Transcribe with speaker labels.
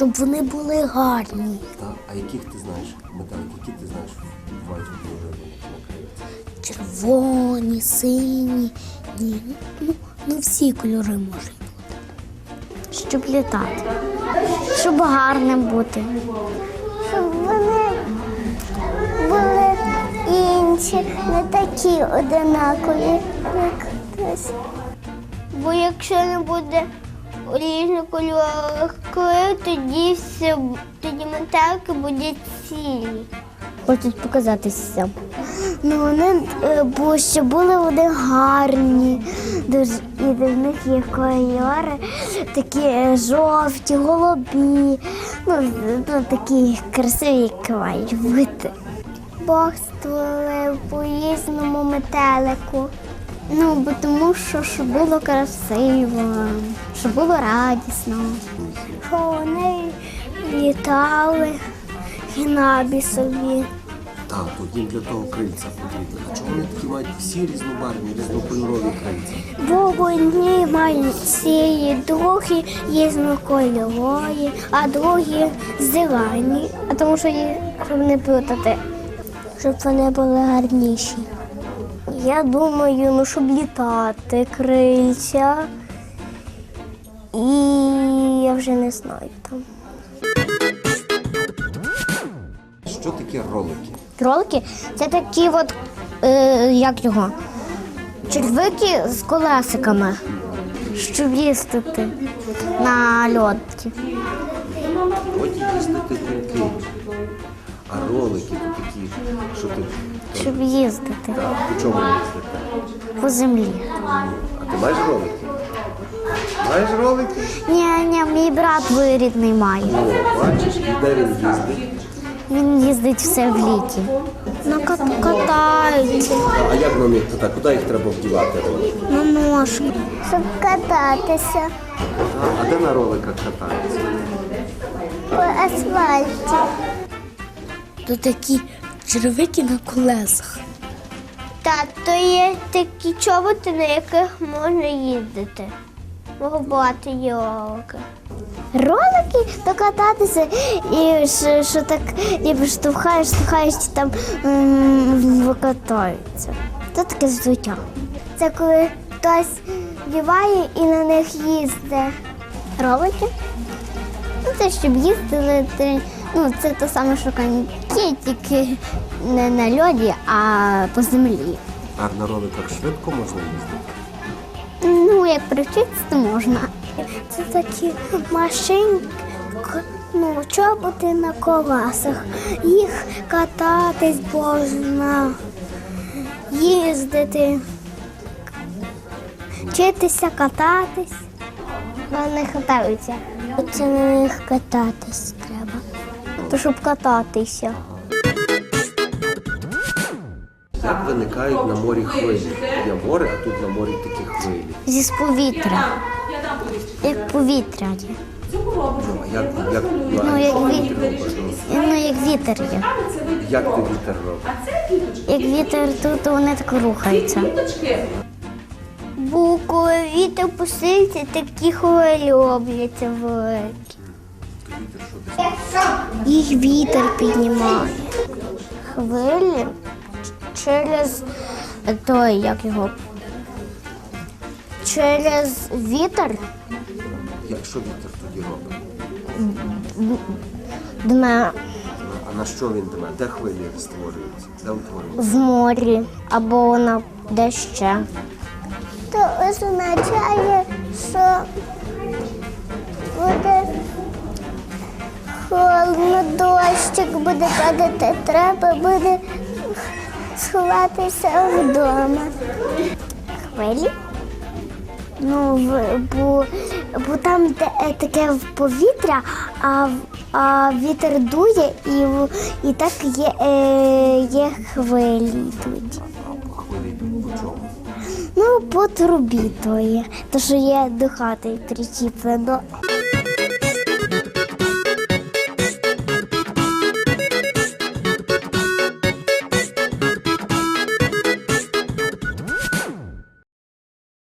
Speaker 1: щоб вони були гарні.
Speaker 2: Так, а яких ти знаєш метелик, які ти знаєш бувають кольори на крильцях?
Speaker 1: Червоні, сині, ні, ну всі кольори можуть бути. Щоб літати, щоб гарним бути.
Speaker 3: Щоб вони були інші, не такі одинакові, як хтось. Бо якщо не буде різнокольорових крил, тоді метелики будуть цілі.
Speaker 1: Хочуть показатися.
Speaker 3: Ну вони, бо щоб були вони гарні, і в них є кольори, такі жовті, голубі, ну такі красиві, як мають бути. Бог створив по-різному метелику. Ну, бо тому що щоб було красиво, щоб було радісно. Що вони літали і небі собі.
Speaker 2: Так, то їм для того крильця потрібно. А чому вони такі мають всі різнобарвні, різнокольорові крильця?
Speaker 3: Бо вони мають ці другі різнокольорові, а другі зелені. А тому що щоб не плутати, щоб вони були гарніші. Я думаю, ну щоб літати крильця. І я вже не знаю там.
Speaker 2: Що таке ролики?
Speaker 1: Кролики – це такі от, як його, червики з колесиками, щоб їздити на льоді.
Speaker 2: Ході їздити коньки. А ролики то такі, що ти...
Speaker 1: Щоб їздити
Speaker 2: Так, по чому їздити?
Speaker 1: по землі.
Speaker 2: А ти маєш ролики? Маєш ролики?
Speaker 1: Ні, мій брат двоюрідний має.
Speaker 2: О, бачиш, і де він їздить?
Speaker 1: Він їздить все в літі. Катаються
Speaker 2: А як на них так? Куди їх треба вдівати ролики?
Speaker 1: на ножку.
Speaker 3: Щоб кататися
Speaker 2: А де на роликах катаються?
Speaker 3: по асфальті.
Speaker 1: То такі червики на колесах.
Speaker 3: Так, то є такі чоботи, на яких можна їздити. Багато є ролики. Ролики то кататися і що так ніби штовхаєш, і там викатаються. Це таке взуття. Це коли хтось вдіває і на них їздить. Ролики? Ну, це щоб їздити. Ну, це те саме, що коньки, тільки не на льоді, а по землі.
Speaker 2: А на роликах швидко можна їздити?
Speaker 3: Ну, як привчитися, то можна. Це такі машинки, ну, чоботи на колесах. Їх кататись можна, їздити, вчитися кататись. Вони катаються. Це на них кататись треба. То щоб кататися.
Speaker 2: Як виникають на морі хвилі? Є море, а тут на морі такі хвилі.
Speaker 1: Зі повітря. Як повітря є.
Speaker 2: А як
Speaker 1: Ну, як вітер є.
Speaker 2: Як ти вітер робиш?
Speaker 1: Як вітер тут, то вони так рухаються.
Speaker 3: Бо коли вітер посилиться, такі хвилі робляться великі.
Speaker 1: Їх вітер піднімає.
Speaker 3: Хвилі через
Speaker 1: Той, як його,
Speaker 3: через вітер
Speaker 2: Якщо вітер тоді робить?
Speaker 1: дме
Speaker 2: А на що він дме? Де хвилі створюються? Де утворюються?
Speaker 1: в морі або на де ще.
Speaker 3: то означає, що буде холодно, дощик буде падати, треба буде сховатися вдома.
Speaker 1: Хвилі?
Speaker 3: Ну, бо там таке повітря, а вітер дує і так є хвилі йдуть.
Speaker 2: А хвилі йдуть по чому?
Speaker 3: Ну, по трубі то є, то що є до хати причіплено.